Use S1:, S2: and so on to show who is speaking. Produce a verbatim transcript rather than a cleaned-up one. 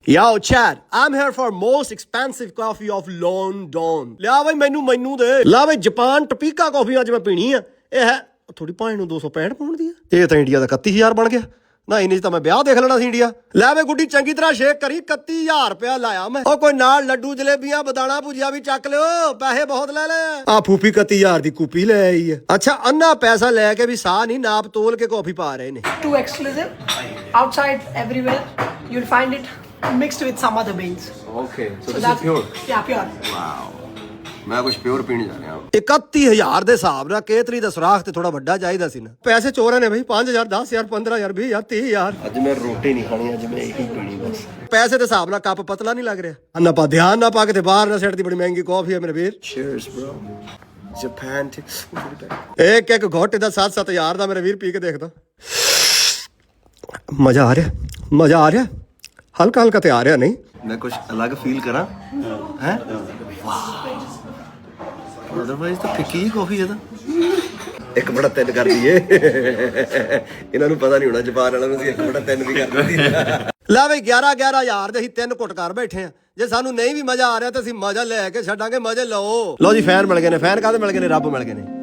S1: Yo, Chad, I'm here for most expensive coffee of London. ਲਿਆ ਬਈ ਮੈਨੂੰ ਮੈਨੂੰ ਦੇ ਲਾ ਬਈ ਜਾਪਾਨ ਟਪੀਕਾ ਕਾਫੀ ਅੱਜ ਮੈਂ ਪੀਣੀ ਆ। ਇਹ ਹੈ ਥੋੜੀ ਭਾਵੇਂ ਨੂੰ ਦੋ ਸੌ ਪੈਂਹਠ ਪਾਉਣ ਦੀ ਆ। ਇਹ ਤਾਂ ਇੰਡੀਆ ਦਾ ਇਕੱਤੀ ਹਜ਼ਾਰ ਬਣ ਗਿਆ ਨਾ। ਇਹਨੇ ਚ ਤਾਂ ਮੈਂ ਵਿਆਹ ਦੇਖ ਲੈਣਾ ਸੀ ਇੰਡੀਆ। ਲੈ ਵੇ ਗੁੱਡੀ ਚੰਗੀ ਤਰ੍ਹਾਂ ਸ਼ੇਕ ਕਰੀ। ਇਕੱਤੀ ਹਜ਼ਾਰ ਰੁਪਇਆ ਲਾਇਆ ਮੈਂ। ਉਹ ਕੋਈ ਨਾਲ ਲੱਡੂ ਜਲੇਬੀਆਂ ਬਦਾਣਾ ਭੁਜੀਆ ਵੀ ਚੱਕ ਲਿਓ। ਪੈਸੇ ਬਹੁਤ ਲੈ ਲੈ। ਆ ਫੂਫੀ ਇਕੱਤੀ ਹਜ਼ਾਰ ਦੀ ਕੂਪੀ ਲੈ ਆਈ ਹੈ। ਅੱਛਾ ਅੰਨਾ ਪੈਸਾ ਲੈ ਕੇ ਵੀ ਸਾਹ ਨਹੀਂ ਨਾਪ ਤੋਲ ਕੇ ਕਾਫੀ ਪਾ ਰਹੇ ਨੇ।
S2: Too exclusive. Outside everywhere you'll find it mixed with some other beans.
S3: Okay, so,
S2: So
S3: this
S2: that's
S3: is pure.
S2: Yeah, pure.
S3: Wow. ਮੈਂ ਕੁਝ ਪਿਓਰ ਪੀਣ ਜਾ ਰਿਹਾ ਹਾਂ।
S1: ਇਕੱਤੀ ਹਜ਼ਾਰ ਦੇ ਹਿਸਾਬ ਨਾਲ ਕੇਤਲੀ ਦਾ ਸੁਰਾਖ ਤੇ ਥੋੜਾ ਵੱਡਾ ਚਾਹੀਦਾ ਸੀ ਨਾ। ਪੈਸੇ ਚੋਰਾਂ ਨੇ ਬਈ ਪੰਜ ਹਜ਼ਾਰ ਦਸ ਹਜ਼ਾਰ ਪੰਦਰਾਂ ਹਜ਼ਾਰ ਵੀਹ ਹਜ਼ਾਰ ਤੀਹ ਹਜ਼ਾਰ।
S3: ਅੱਜ ਮੈਂ ਰੋਟੀ ਨਹੀਂ ਖਾਣੀ, ਅੱਜ ਮੈਂ ਇਹੀ ਪੀਣੀ ਬਸ।
S1: ਪੈਸੇ ਦੇ ਹਿਸਾਬ ਨਾਲ ਕੱਪ ਪਤਲਾ ਨਹੀਂ ਲੱਗ ਰਿਹਾ। ਅੰਨਾ ਪਾ ਧਿਆਨ ਨਾ ਪਾ ਕੇ ਤੇ ਬਾਹਰ ਨਾ ਸਿੱਟ ਦੀ। ਬੜੀ ਮਹਿੰਗੀ ਕਾਫੀ ਹੈ ਮੇਰੇ ਵੀਰ।
S3: Cheers bro. Japan to
S1: ਇੱਕ ਇੱਕ ਘੋਟ ਦਾ ਸੱਤ ਸੱਤ ਹਜ਼ਾਰ ਦਾ ਮੇਰੇ ਵੀਰ ਪੀ ਕੇ ਦੇਖਦਾ। ਮਜ਼ਾ ਆ ਰਿਹਾ ਮਜ਼ਾ ਆ ਰਿਹਾ ਹਲਕਾ ਹਲਕਾ ਤੇ ਆ ਰਿਹਾ ਨਹੀਂ।
S3: ਮੈਂ ਕੁਝ ਅਲੱਗ ਫੀਲ ਕਰਾਂ ਹੈ। ਵਾਹ ਅਦਰਵਾਈਜ਼ ਤਾਂ ਫਿੱਕੀ ਹੀ ਕਾਫੀ ਹੈ ਤਾਂ। ਇੱਕ ਬੜਾ ਤਿੰਨ ਕਰ ਦਈਏ। ਇਹਨਾਂ ਨੂੰ ਪਤਾ ਨਹੀਂ ਹੋਣਾ ਜਾਪਾਨ ਵਾਲਿਆਂ ਨੂੰ ਅਸੀਂ ਇੱਕ ਬੜਾ ਤਿੰਨ ਵੀ ਕਰ ਦਿੰਦੀ।
S1: ਲੈ ਬਈ ਗਿਆਰਾਂ ਗਿਆਰਾਂ ਹਜ਼ਾਰ ਦੇ ਅਸੀਂ ਤਿੰਨ ਘੁੱਟ ਕਰ ਬੈਠੇ ਆ। ਜੇ ਸਾਨੂੰ ਨਹੀਂ ਵੀ ਮਜ਼ਾ ਆ ਰਿਹਾ ਤਾਂ ਅਸੀਂ ਮਜ਼ਾ ਲੈ ਕੇ ਛੱਡਾਂਗੇ। ਮਜ਼ੇ ਲਓ। ਲਓ ਜੀ ਫੈਨ ਮਿਲ ਗਏ ਨੇ। ਫੈਨ ਕਾਹਦੇ ਮਿਲ ਗਏ ਨੇ? ਰੱਬ ਮਿਲ ਗਏ ਨੇ।